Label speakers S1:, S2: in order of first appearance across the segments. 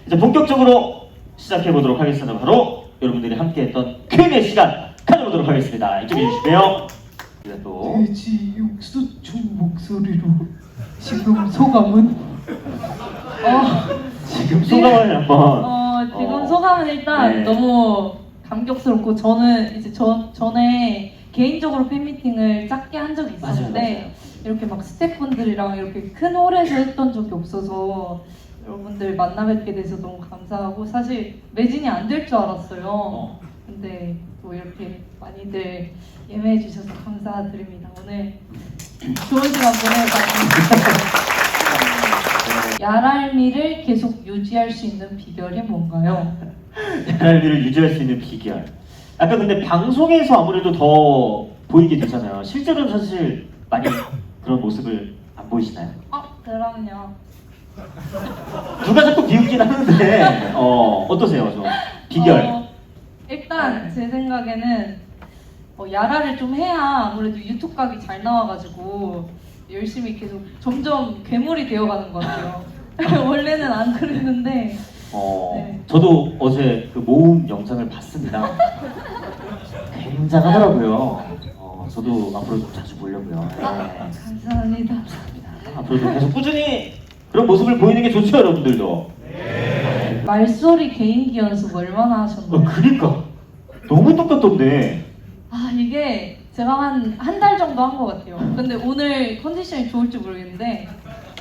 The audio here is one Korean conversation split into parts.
S1: 이제 본격적으로 시작해 보도록 하겠습니다. 바로 여러분들이 함께했던 Q&A 시간 가져보도록 하겠습니다. 이쪽에 주시고요. 또
S2: 돼지 육수충 목소리로 지금 소감은?
S1: 지금 소감을 한번
S3: 지금 소감은 일단
S1: 네.
S3: 너무 감격스럽고 저는 이제 전에 개인적으로 팬미팅을 작게 한 적이 있었는데
S1: 맞아요.
S3: 이렇게 막 스태프분들이랑 이렇게 큰 홀에서 했던 적이 없어서 여러분들 만나 뵙게 돼서 너무 감사하고 사실 매진이 안 될 줄 알았어요. 근데 또 이렇게 많이들 예매해 주셔서 감사드립니다. 오늘 좋은 시간 보내봤습니다. 야랄미를 계속 유지할 수 있는 비결이 뭔가요?
S1: 야랄미를 유지할 수 있는 비결. 약간 근데 방송에서 아무래도 더 보이게 되잖아요. 실제로는 사실 많이 그런 모습을 안 보이시나요?
S3: 그럼요.
S1: 누가 자꾸 비웃긴 하는데 어떠세요? 좀 비결.
S3: 일단 제 생각에는 야라를 좀 해야 아무래도 유튜브 각이 잘 나와가지고 열심히 계속 점점 괴물이 되어가는 것 같아요. 원래는 안 그랬는데. 네.
S1: 저도 어제 그 모음 영상을 봤습니다. 굉장하더라고요. 저도 앞으로 좀 자주 보려고요. 네.
S3: 감사합니다.
S1: 앞으로도 계속 꾸준히 그런 모습을 보이는 게 좋죠, 여러분들도.
S3: 말소리 개인기 연습 얼마나 하셨나요?
S1: 그니까 너무 똑같던데.
S3: 이게 제가 한 달 정도 한 것 같아요. 근데 오늘 컨디션이 좋을지 모르겠는데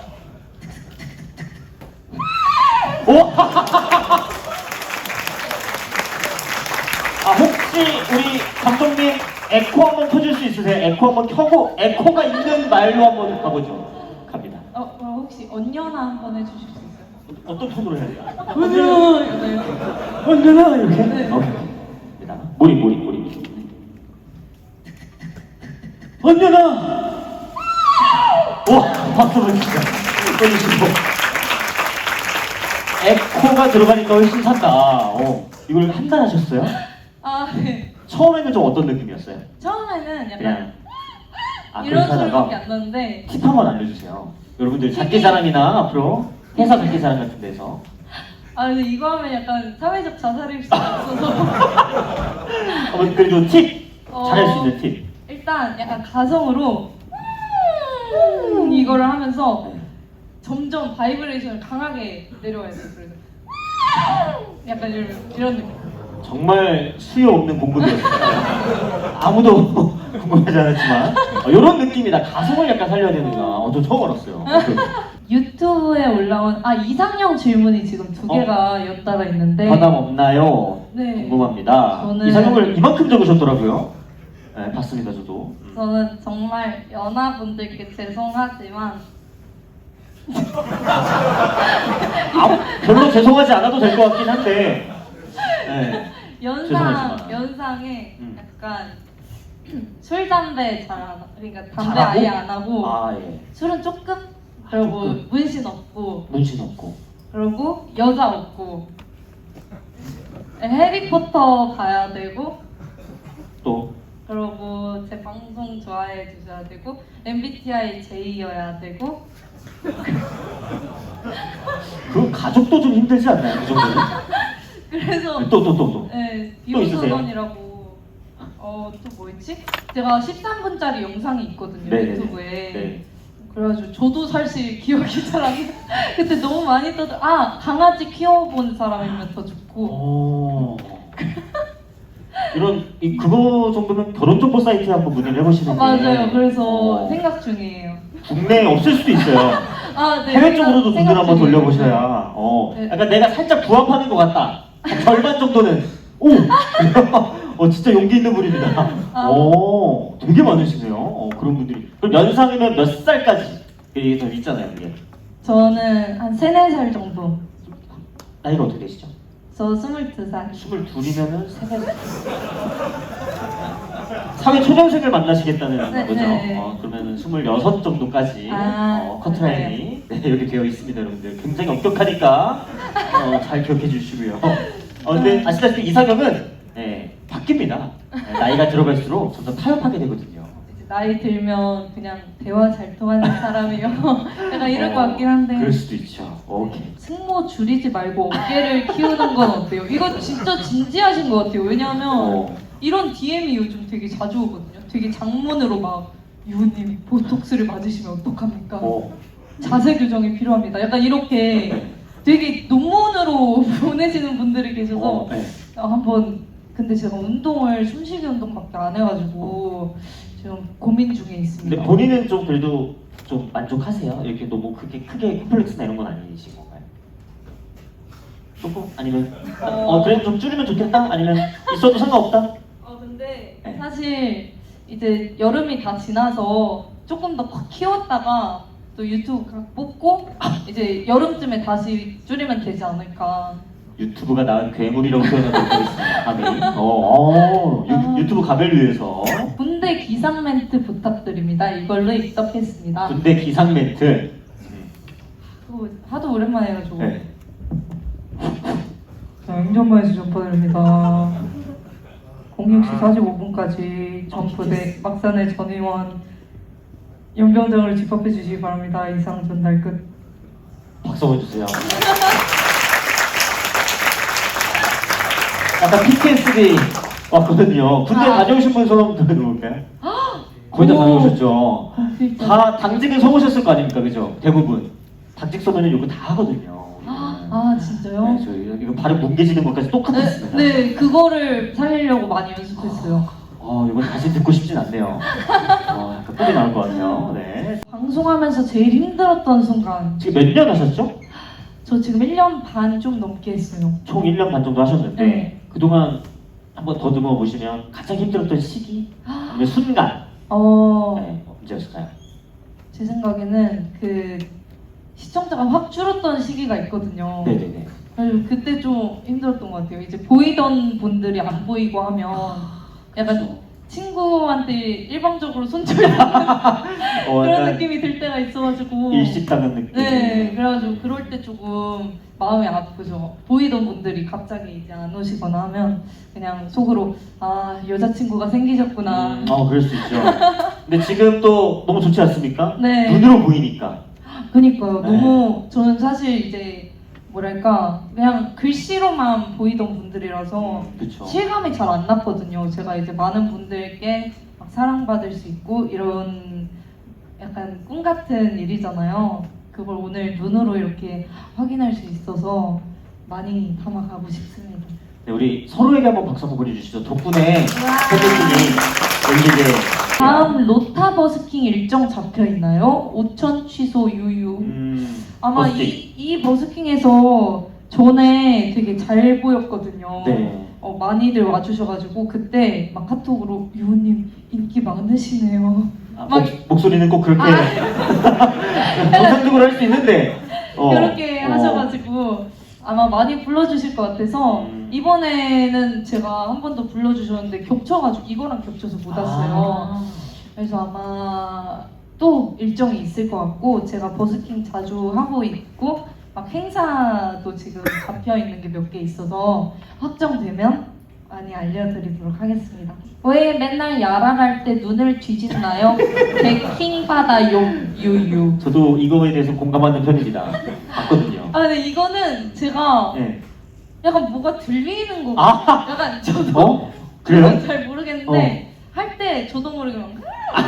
S1: 혹시 우리 감독님 에코 한번 켜줄 수 있으세요? 에코 한번 켜고 에코가 있는 말로 한번 가보죠. 갑니다.
S3: 혹시 언녀나 한번 해주실 수 있어요?
S1: 어떤 톤으로 해야 돼요?
S2: 언제나 이렇게?
S3: 네.
S1: 오케이. 갑니다. 모리. 언제나! 와, 박수 보내주세요. 보내주시고. 에코가 들어가니까 훨씬 산다. 이걸 한 달 하셨어요?
S3: 네.
S1: 처음에는 좀 어떤 느낌이었어요?
S3: 처음에는 약간
S1: 그냥
S3: 이런
S1: 그렇게
S3: 소리밖에
S1: 하다가
S3: 안 나는데
S1: 팁 한번 알려주세요. 여러분들 장기자랑이나 앞으로 회사 장기자랑 같은 데서
S3: 근데 이거 하면 약간 사회적 자살일 수 있어서
S1: 그래도 팁! 잘할 수 있는 팁.
S3: 일단 약간 가성으로 이거를 하면서 점점 바이브레이션을 강하게 내려와야 돼요. 그래서 약간 이런 느낌.
S1: 정말 수요 없는 공부들이었어요. 아무도 궁금하지 않았지만 이런 느낌이다. 가성을 약간 살려야 되는구나. 저 처음 알았어요.
S3: 유튜브에 올라온 이상형 질문이 지금 두 개가 연달아 있는데
S1: 변함 없나요?
S3: 네.
S1: 궁금합니다.
S3: 저는-
S1: 이상형을 이만큼 적으셨더라고요. 네, 봤습니다, 저도.
S3: 저는 정말 연하분들께 죄송하지만
S1: 별로 죄송하지 않아도 될 것 같긴 한데. 네. 죄송하지만.
S3: 연상에
S1: 음.
S3: 약간 술 담배 잘 안 그러니까 담배
S1: 잘하고?
S3: 아예 안 하고
S1: 예.
S3: 술은 조금 그리고
S1: 조금.
S3: 문신 없고
S1: 문신 없고.
S3: 그리고 여자 없고 해리포터 봐야 되고
S1: 또
S3: 그리고 제 방송 좋아해 주셔야 되고 MBTI J여야 되고
S1: 그 가족도 좀 힘들지 않나요? 그 정도는?
S3: 그래서
S1: 또.
S3: 네,
S1: 또 있으세요?
S3: 비오선언이라고 또 뭐 있지? 제가 13분짜리 영상이 있거든요.
S1: 네네네.
S3: 유튜브에.
S1: 네.
S3: 그래가지고 저도 사실 기억이 잘 안 나. 그때 너무 많이 강아지 키워본 사람이면 더 좋고.
S1: 그거 정도면 결혼 정보 사이트에 한번 문의를 해보시는 게.
S3: 맞아요. 그래서 생각 중이에요.
S1: 국내에 없을 수도 있어요.
S3: 네,
S1: 해외 쪽으로도
S3: 생각
S1: 눈을 한번
S3: 중이에요.
S1: 돌려보셔야.
S3: 네.
S1: 약간 내가 살짝 부합하는 것 같다. 한 절반 정도는. 진짜 용기 있는 분입니다. 되게 많으시네요. 그런 분들이. 그럼 연상이면 몇 살까지? 이게 더 있잖아요, 그게.
S3: 저는 한 3, 4살 정도.
S1: 나이가 어떻게 되시죠?
S3: 저 22살.
S1: 22이면은 세살. 사회 초년생을 만나시겠다는
S3: 네,
S1: 거죠?
S3: 네.
S1: 그러면 26 정도까지 커트라인이 이렇게 되어 있습니다, 여러분들. 굉장히 엄격하니까 잘 기억해 주시고요. 근데 아시다시피 이상형은 바뀝니다. 나이가 들어갈수록 점점 타협하게 되거든요.
S3: 이제 나이 들면 그냥 대화 잘 통하는 사람이요. 약간 이럴 것 같긴 한데.
S1: 그럴 수도 있죠. 오케이.
S3: 승모 줄이지 말고 어깨를 키우는 건 어때요? 이거 진짜 진지하신 것 같아요. 왜냐하면
S1: 어.
S3: 이런 DM이 요즘 되게 자주 오거든요. 되게 장문으로 막 유우님 보톡스를 맞으시면 어떡합니까? 자세 교정이 필요합니다. 약간 이렇게 되게 논문으로 보내시는 분들이 계셔서
S1: 네.
S3: 한번 근데 제가 운동을 숨쉬기 운동밖에 안 해가지고 지금 고민 중에 있습니다.
S1: 근데 본인은 좀 그래도 좀 만족하세요? 이렇게 너무 크게 콤플렉스나 이런 건 아니신 건가요? 조금? 아니면 그래도 좀 줄이면 좋겠다? 아니면 있어도 상관없다?
S3: 근데
S1: 네.
S3: 사실 이제 여름이 다 지나서 조금 더 키웠다가 또 유튜브 각 뽑고 이제 여름쯤에 다시 줄이면 되지 않을까.
S1: 유튜브가 낳은 괴물이라고 표현하고 있습니다. 감히. 유튜브 가벨 위해서
S3: 군대 기상 멘트 부탁드립니다. 이걸로 입덕했습니다.
S1: 군대 기상 멘트.
S3: 그거 하도 오랜만에 해가지고.
S1: 네.
S2: 자, 행정반에서 전파드립니다. 06시 45분까지 전부대 막산의 전의원 연병장을 집합해 주시기 바랍니다. 이상 전달 끝.
S1: 박수 보여주세요. 약간 PTSD 왔거든요. 군대
S3: 아.
S1: 다녀오신 분 손 한번 들어볼까요? 거의 다
S3: 오.
S1: 다녀오셨죠?
S3: 진짜.
S1: 다 당직은 서보셨을 거 아닙니까, 그죠? 대부분 당직 서면은 이거 다 하거든요.
S3: 아 진짜요?
S1: 네, 저 이거 발음 뭉개지는 것까지 똑같았습니다.
S3: 네, 그거를 살리려고 많이 연습했어요.
S1: 이건 다시 듣고 싶진 않네요. 약간 뽕이 나올 것 같아요. 네.
S3: 방송하면서 제일 힘들었던 순간.
S1: 지금 몇 년 하셨죠?
S3: 저 지금 1년 반 좀 넘게 했어요.
S1: 총 1년 반 정도 하셨는데
S3: 네.
S1: 그동안 한번 더듬어 보시면 가장 힘들었던 시기 아니면 순간 네, 언제였을까요?
S3: 제 생각에는 그 시청자가 확 줄었던 시기가 있거든요.
S1: 네네네.
S3: 그래서 그때 좀 힘들었던 것 같아요. 이제 보이던 분들이 안 보이고 하면 약간
S1: 그렇죠.
S3: 친구한테 일방적으로 손절당하는 그런
S1: 약간
S3: 느낌이 들 때가 있어가지고
S1: 일식당한 느낌.
S3: 네, 그래가지고 그럴 때 조금 마음이 아프죠. 보이던 분들이 갑자기 이제 안 오시거나 하면 그냥 속으로 아 여자친구가 생기셨구나.
S1: 그럴 수 있죠. 근데 지금 또 너무 좋지 않습니까?
S3: 네.
S1: 눈으로 보이니까.
S3: 그니까요.
S1: 네.
S3: 너무 저는 사실 이제 뭐랄까 그냥 글씨로만 보이던 분들이라서
S1: 그렇죠.
S3: 실감이 잘 안 났거든요. 제가 이제 많은 분들께 막 사랑받을 수 있고 이런 약간 꿈 같은 일이잖아요. 그걸 오늘 눈으로 이렇게 확인할 수 있어서 많이 담아가고 싶습니다.
S1: 네, 우리 서로에게 한번 박수 한번 보내주시죠. 덕분에 팬분들이 여기 이제
S3: 다음 로타 버스킹 일정 잡혀 있나요? 5천 취소 유유. 아마
S1: 버스킹.
S3: 이 버스킹에서 전에 되게 잘 보였거든요.
S1: 네.
S3: 많이들 와주셔가지고 그때 막 카톡으로 유호님 인기 많으시네요. 막
S1: 목소리는 꼭 그렇게 정상적으로 할 수 있는데
S3: 그렇게 하셔가지고 아마 많이 불러주실 것 같아서 이번에는 제가 한 번 더 불러주셨는데 겹쳐가지고 이거랑 겹쳐서 못 왔어요. 그래서 아마 또 일정이 있을 것 같고 제가 버스킹 자주 하고 있고 막 행사도 지금 잡혀 있는 게 몇 개 있어서 확정되면 많이 알려드리도록 하겠습니다. 왜 맨날 야랄할 때 눈을 뒤집나요? 개킹받아요 유유.
S1: 저도 이거에 대해서 공감하는 편입니다. 봤거든요.
S3: 근데 이거는 제가
S1: 네.
S3: 약간 뭐가 들리는 거
S1: 아!
S3: 같아요. 약간 저도
S1: 그래요?
S3: 잘 모르겠는데 할 때 저도 모르게 막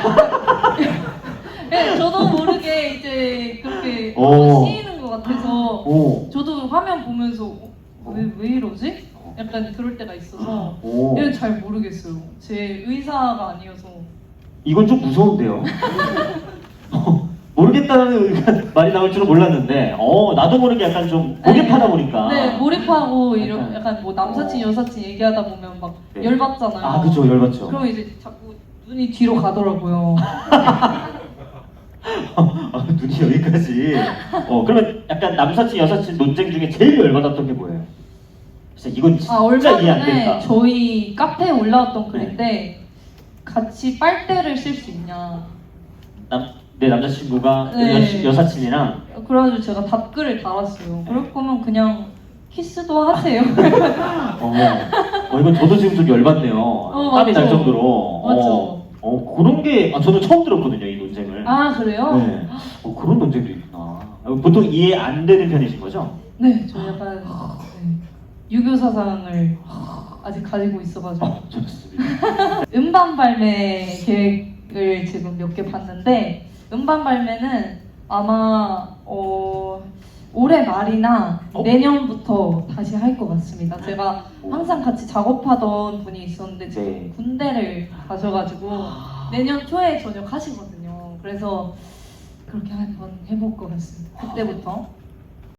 S3: 네, 저도 모르게 이제 그렇게 씌이는 것 같아서 저도 화면 보면서 왜 이러지? 약간 그럴 때가 있어서 이건 잘 모르겠어요. 제 의사가 아니어서.
S1: 이건 좀 무서운데요. 모르겠다는 말이 나올 줄은 몰랐는데 나도 모르게 약간 좀 몰입하다 보니까
S3: 네, 몰입하고 이런 약간 뭐 남사친 여사친 얘기하다 보면 막
S1: 네.
S3: 열받잖아요.
S1: 그죠, 열받죠.
S3: 그럼 이제 자꾸 눈이 뒤로 가더라고요.
S1: 눈이 여기까지. 그러면 약간 남사친 여사친 논쟁 중에 제일 열받았던 게 뭐예요? 진짜 이건 진짜
S3: 얼마
S1: 이해 안
S3: 전에
S1: 된다.
S3: 저희 카페에 올라왔던 글인데 같이 빨대를 쓸 수 있냐.
S1: 내 남자친구가
S3: 네.
S1: 여사친이랑
S3: 그래가지고 제가 답글을 달았어요. 그럴 거면 그냥 키스도 하세요.
S1: 이건 저도 지금 좀 열받네요. 땀이 날
S3: 맞죠.
S1: 정도로.
S3: 맞죠.
S1: 그런 게 저는 처음 들었거든요, 이 논쟁을.
S3: 아 그래요?
S1: 네. 그런 논쟁도 있구나. 보통 이해 안 되는 편이신 거죠?
S3: 네, 저 약간 네, 유교 사상을 아직 가지고 있어가지고
S1: 좋습니다.
S3: 음반 발매 계획을 지금 몇 개 봤는데 음반 발매는 아마 올해 말이나 내년부터 다시 할 것 같습니다. 제가 항상 같이 작업하던 분이 있었는데 지금
S1: 네.
S3: 군대를 가셔가지고 내년 초에 전역하시거든요. 그래서 그렇게 한번 해볼 것 같습니다. 그때부터